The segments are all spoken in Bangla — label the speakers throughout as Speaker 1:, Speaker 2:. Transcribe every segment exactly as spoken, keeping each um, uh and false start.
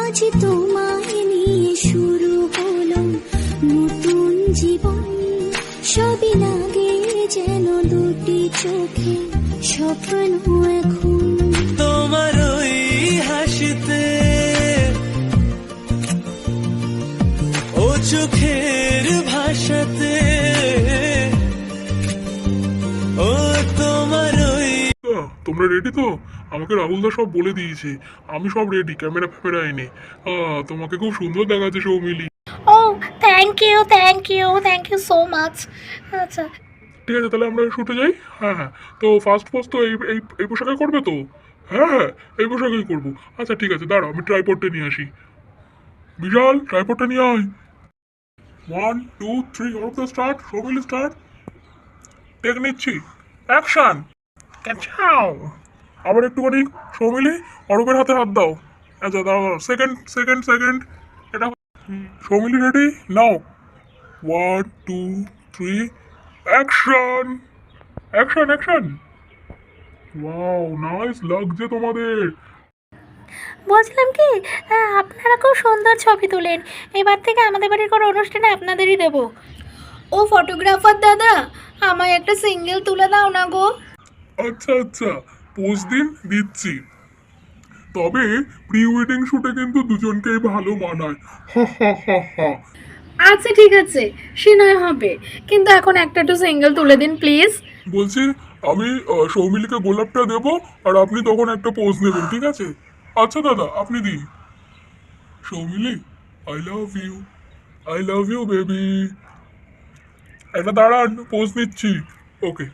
Speaker 1: আজ তোমায় নিয়ে শুরু হলো নতুন জীবন, সবই লাগে যেন দুটি চোখে স্বপ্ন এখন।
Speaker 2: তোমার ওই হাসিতে ও চোখের ভাষাতে ও তোমার ওই।
Speaker 3: তোমরা রেডি তো? আমাকে রাহুলদা সব বলে দিয়েছে, আমি সব রেডি, ক্যামেরা ফ্যামেরা এনে। আহ, তোমাকে খুব সুন্দর দেখাচ্ছে সৌমিলি।
Speaker 4: ও thank you thank you thank you so much. আচ্ছা
Speaker 3: ঠিক আছে, তাহলে আমরা শুটে যাই। হ্যাঁ হ্যাঁ, তো ফার্স্ট পোস্ট তো এই এই এই পোশাকে করবে তো? হ্যাঁ হ্যাঁ, এই পোশাকেই করবো। আচ্ছা ঠিক আছে, দাঁড়াও আমি ট্রাইপডটা নিয়ে আসি। বিশাল, ট্রাইপডটা নিয়ে আয়। One two three, all of the start, Soumili start. Take নিচ্ছি, অ্যাকশন। ক্যাচাও। আবার একটুখানি সৌমিলি, অরূপের হাতে হাত দাও। আচ্ছা দাও, সেকেন্ড সেকেন্ড সেকেন্ড। এটা Soumili ready now. One two three, action action action. Wow, nice লাগছে তোমাদের।
Speaker 4: বলছিলাম কি, আহ, আপনারা খুব সুন্দর ছবি তোলেন, এবার থেকে আমাদের বাড়ির কোনো অনুষ্ঠানে আপনাদেরই দেবো। ও ফটোগ্রাফার দাদা, আমায় একটা সিঙ্গেল তুলে দাও না গো।
Speaker 3: আচ্ছা আচ্ছা, পোস্ট দিন, দিচ্ছি। তবে প্রি ওয়েডিং শুটে কিন্তু দুজনকেই ভালো মানায়। হা হা হা হা।
Speaker 4: আচ্ছা ঠিক আছে, সে নয় হবে, কিন্তু এখন একটা একটু সিঙ্গেল তুলে দিন প্লিজ।
Speaker 3: বলছি, আমি আহ, সৌমিলিকে গোলাপটা দেবো, আর আপনি তখন একটা পোজ নেবেন, ঠিক আছে? আচ্ছা দাদা, আপনি দিন। Soumili, I love you, I love you baby. একটা দাঁড়ান, পোজ নিচ্ছি। Okay,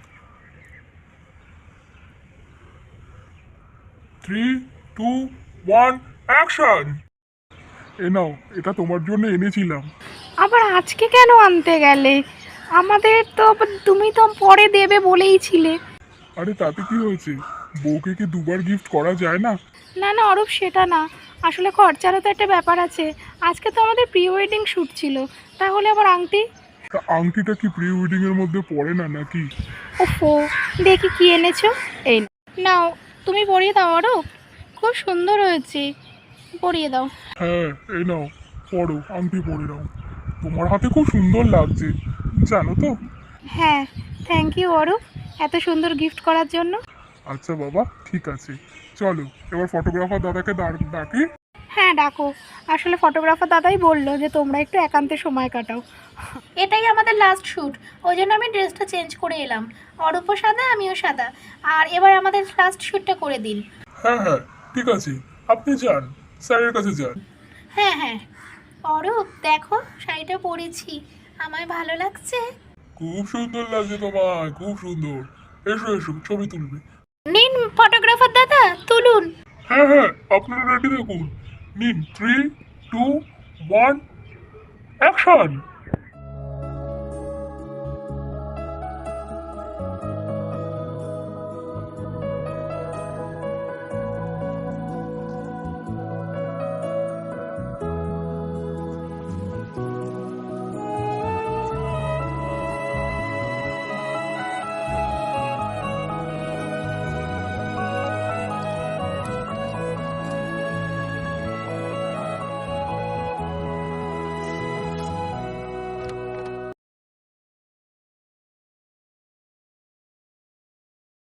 Speaker 3: three two one, action. এ নাও, এটা তোমার জন্য এনেছিলাম।
Speaker 4: আবার আজকে কেন আনতে গেলে? আমাদের তো তুমি তো পরে দেবে বলেইছিলে।
Speaker 3: আরে তাতে কি হয়েছে, বউকে কি দুবার গিফট করা যায় না?
Speaker 4: না না অরূপ, সেটা না, আসলে খরচারও তো একটা ব্যাপার আছে। আজকে তো আমাদের প্রি ওয়েডিং শ্যুট ছিল, তাহলে আবার আংটি।
Speaker 3: তা আংটিটা কি প্রি ওয়েডিং এর মধ্যে পড়ে না নাকি?
Speaker 4: ওফো, দেখি কি এনেছো। এই নাও, তুমি পরিয়ে দাও অরূপ, খুব সুন্দর হয়েছে, পরিয়ে দাও।
Speaker 3: হ্যাঁ, এই নাও, পড়ো, আংটি পরে নাও। তোমার হাতে খুব সুন্দর লাগছে, জানো তো?
Speaker 4: হ্যাঁ, থ্যাংক ইউ অরূপ, এত সুন্দর গিফট করার জন্য।
Speaker 3: আচ্ছা বাবা, ঠিক আছে, চলো এবার ফটোগ্রাফার দাদাকে দা- ডাকি।
Speaker 4: হ্যাঁ ডাকো, আসলে ফটোগ্রাফার দাদাই বললো যে তোমরা একটু একান্তে সময় কাটাও। এটাই আমাদের লাস্ট শ্যুট, ওই জন্য আমি ড্রেসটা চেঞ্জ করে এলাম। অরূপও সাদা, আমিও সাদা, আর এবার আমাদের লাস্ট শ্যুটটা করে দিন।
Speaker 3: হ্যাঁ হ্যাঁ, ঠিক আছে, আপনি যান, স্যারের কাছে যান।
Speaker 4: হ্যাঁ হ্যাঁ। অরূপ দেখো, শাড়িটা পরেছি, আমায় ভালো লাগছে।
Speaker 3: খুব সুন্দর লাগছে তোমায়, খুব সুন্দর। এসো এসো, ছবি তুলবে।
Speaker 4: নিন ফটোগ্রাফার দাদা, তুলুন।
Speaker 3: হ্যাঁ হ্যাঁ, আপনারা রেডি দেখুন। নিন, থ্রি টু ওয়ান, অ্যাকশন।